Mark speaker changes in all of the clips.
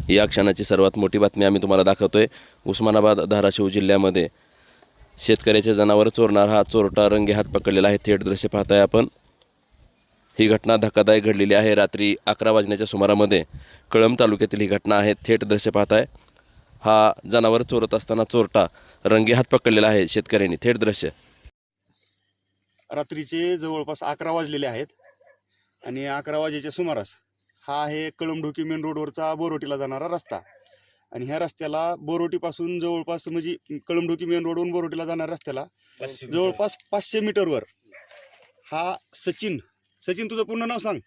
Speaker 1: या क्षणाची सर्वात मोठी बातमी आम्ही तुम्हाला दाखवतोय। उस्मानाबाद धाराशिव जिल्ह्यामध्ये शेतकऱ्याचे जनावर चोरणारा हा चोरटा रंगेहात पकडलेला आहे। थेट दृश्य पाहताय आपण। ही घटना धक्कादायक घडलेली आहे। रात्री 11 वाजण्याच्या सुमारामध्ये कळंब तालुक्यातील ही घटना आहे। थेट दृश्य पाहताय। हा जनावर चोरत असताना चोरटा रंगेहात पकडलेला आहे शेतकऱ्यांनी। थेट दृश्य।
Speaker 2: रात्रीचे जवळपास 11 वाजलेले आहेत आणि 11 वाजेच्या सुमारास हा आहे कळंबढोकी मेन रोडवरचा बोरोटीला जाणारा रस्ता आणि ह्या रस्त्याला बोरोटीपासून जवळपास म्हणजे कळंबढोकी मेन रोडवरून बोरोटीला जाणाऱ्या रस्त्याला जवळपास 500 मीटरवर हा सचिन तुझं पूर्ण नाव सांग।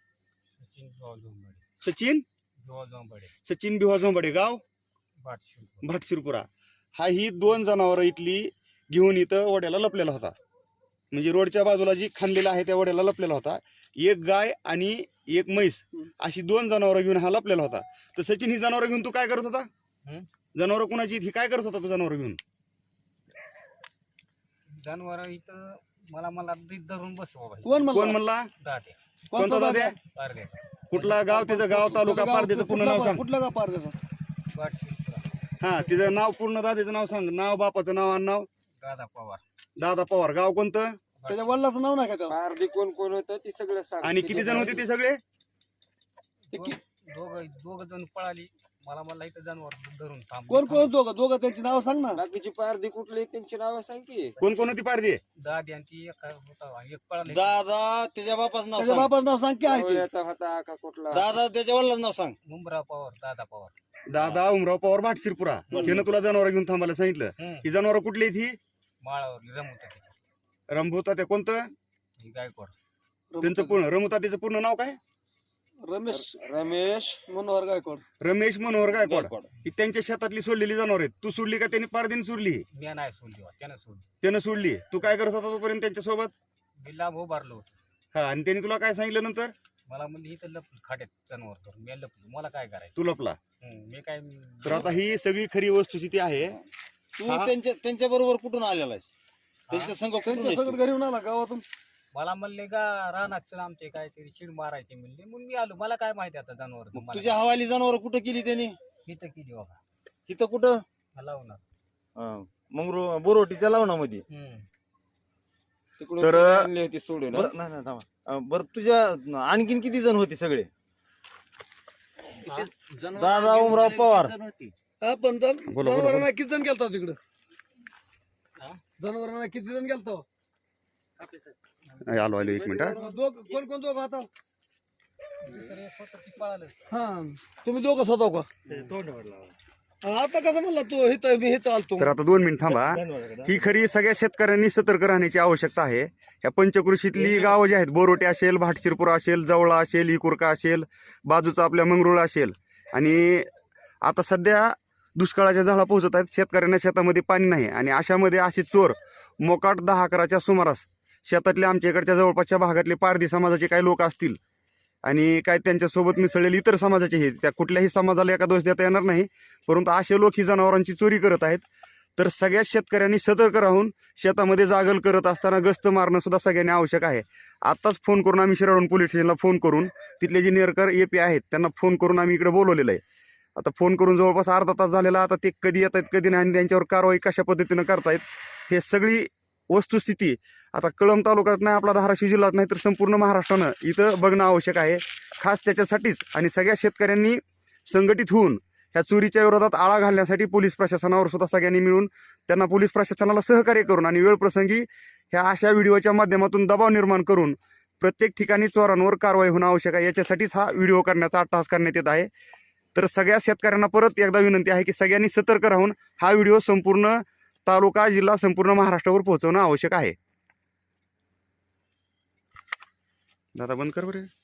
Speaker 2: सचिन भिवा झोंबाडे, गाव भाटशिरपुरा। हा ही 2 जनावरं इथली घेऊन इथं वड्याला लपलेला होता। म्हणजे रोडच्या बाजूला जी खांदलेला आहे त्या वड्याला लपलेला होता। एक गाय आणि एक म्हैस अशी 2 जनावरं घेऊन हा लपलेला होता। तर सचिन ही जनावरं घेऊन तू काय करत होता? जनावरं कुणाची ही काय करत होता तू जनावरं घेऊन?
Speaker 3: जनावर इथं मला धरून बसवा भाई।
Speaker 2: कोण म्हणला?
Speaker 3: दादे।
Speaker 2: कोणता दाद्या? कुठला गाव? त्याचं गाव, तालुका, पारदेचं पूर्ण नाव सांग।
Speaker 4: कुठलं गाव पारदेचं?
Speaker 2: हा, तिचं नाव पूर्ण, दाद्याचं नाव सांग। नाव, बापाचं नाव आणि नाव?
Speaker 3: दादा पवार।
Speaker 2: दादा पवार। गाव कोणतं?
Speaker 4: त्याच्या वडिलाचं नाव नाही का त्याला?
Speaker 5: पारधी कोण कोण होतं ते सगळं सांग।
Speaker 2: आणि किती जण होते ते सगळे?
Speaker 3: दोघ जण पळाली। मला इथं जनावर धरून थांब।
Speaker 4: कोण कोण दोघं त्यांची नाव सांग ना।
Speaker 5: बाकीची पारधी कुठली त्यांची नाव सांग की।
Speaker 2: कोण कोण होती पारधी?
Speaker 3: दादी आणि ती एक होता, एक पळाली।
Speaker 5: दादा त्याच्या बापाचं नाव
Speaker 4: त्याच्या
Speaker 5: सांग।
Speaker 4: बापाचं नाव सांग की आहे ते.
Speaker 5: आवळ्याचा होता का कुठला? दादा त्याच्या वडिलांचं नाव सांग।
Speaker 3: मुंबरा पवार, दादा पवार।
Speaker 2: दादा उमराव पवार भाटशिरपुरा। त्यानं तुला जनावर घेऊन थांबायला सांगितलं। ही जनावर कुठली आहेत? ही
Speaker 3: माळावर रमवत
Speaker 2: रमभूता त्या कोणतं?
Speaker 3: ही गायकवाड।
Speaker 2: त्यांचं पूर्ण रमभूता त्याचं पूर्ण नाव काय?
Speaker 5: रमेश
Speaker 4: मनोहर गायकवाड।
Speaker 2: रमेश मनोहर गायकवाड। ही त्यांच्या शेतातली सोडलेली जनावर आहेत। तू सोडली का त्यांनी पारदीने सोडली?
Speaker 3: मी नाही सोडली, त्यानं सोडली।
Speaker 2: त्यानं सोडली। तू काय करत होता तोपर्यंत त्यांच्या सोबत?
Speaker 3: मी लांब उभारलो होतो।
Speaker 2: हा, आणि त्यांनी तुला काय सांगितलं नंतर?
Speaker 3: मला म्हणली इथं लपलं खाट्यात जनावर धरून। मी लपलो, मला काय करायचं?
Speaker 2: तू लपला।
Speaker 3: मी काय
Speaker 2: तर आता ही सगळी खरी वस्तुस्थिती आहे।
Speaker 5: तू त्यांच्या बरोबर कुठून आलेला आहेस? त्यांच्या संघ
Speaker 4: त्यांच्या सगळं घरी येऊन आला गावातून?
Speaker 3: मला म्हणले का रानात चल आमचे काहीतरी शिड मारायचे म्हणले, म्हणून मी आलो। मला काय माहिती आता जनावर
Speaker 5: तुझ्या हवाली जनावर कुठं केली त्यांनी?
Speaker 3: इथं केली बाबा।
Speaker 5: तिथं कुठं?
Speaker 3: लावणार
Speaker 5: मग बोरोटीच्या लावणामध्ये
Speaker 2: तर
Speaker 5: आणली होती सोडून। बरं तुझ्या आणखीन किती जण होते सगळे? दादा उमराव पवार।
Speaker 4: हा, पण जनावरांना किती जण गेलता तिकडं? जनावरांना किती जण गेलता?
Speaker 2: आलो 1 मिनिट।
Speaker 4: कोण कोण दोघं आता?
Speaker 3: पळालं।
Speaker 4: हा, तुम्ही दोघं स्वतः का? आता कसं म्हणला तू हिथं मी हिथं आलतो?
Speaker 2: तर आता 2 मिनिट थांबा। ही खरी सगळ्या शेतकऱ्यांनी सतर्क राहण्याची आवश्यकता आहे। या पंचकृषीतली गावं जी आहेत, बोरोटे असेल, भाटशिरपुरा असेल, जवळा असेल, इकुरका असेल, बाजूचा आपल्या मंगरुळ असेल, आणि आता सध्या दुष्काळाच्या झाडा पोहोचत आहेत। शेतकऱ्यांना शेतामध्ये पाणी नाही आणि अशामध्ये असे चोर मोकाट 10-11च्या सुमारास शेतातल्या आमच्या इकडच्या जवळपासच्या भागातले पारधी समाजाचे काही लोक असतील आणि काय त्यांच्यासोबत मिसळलेले इतर समाजाचे हे, त्या कुठल्याही समाजाला एका दोष देता येणार नाही, परंतु असे लोक ही जनावरांची चोरी करत आहेत। तर सगळ्या शेतकऱ्यांनी सतर्क राहून शेतामध्ये जागल करत असताना गस्त मारणं सुद्धा सगळ्यांनी आवश्यक आहे। आत्ताच फोन करून आम्ही शिराळून पोलीस स्टेशनला फोन करून तिथले जे निरकर AP आहेत त्यांना फोन करून आम्ही इकडे बोलवलेलं आहे। आता फोन करून जवळपास अर्धा तास झालेला। आता ते कधी येत आहेत कधी नाही आणि त्यांच्यावर कारवाई कशा पद्धतीनं करतायत हे सगळी वस्तुस्थिती आता कळंब तालुक्यात नाही, आपला धाराशिव जिल्ह्यात नाही तर संपूर्ण महाराष्ट्रानं इथं बघणं आवश्यक आहे। खास त्याच्यासाठीच आणि सगळ्या शेतकऱ्यांनी संघटित होऊन ह्या चोरीच्या विरोधात आळा घालण्यासाठी पोलीस प्रशासनावर सुद्धा सगळ्यांनी मिळून त्यांना पोलीस प्रशासनाला सहकार्य करून आणि वेळप्रसंगी ह्या अशा व्हिडिओच्या माध्यमातून दबाव निर्माण करून प्रत्येक ठिकाणी चोरांवर कारवाई होणं आवश्यक आहे। याच्यासाठीच हा व्हिडिओ करण्याचा अट्टहास करण्यात येत आहे। तर सगळ्या शेतकऱ्यांना परत एकदा विनंती आहे की सगळ्यांनी सतर्क राहून हा व्हिडिओ संपूर्ण तालुका, जिल्हा, संपूर्ण महाराष्ट्रावर पोहोचवणं आवश्यक आहे। दादा बंद कर बरं।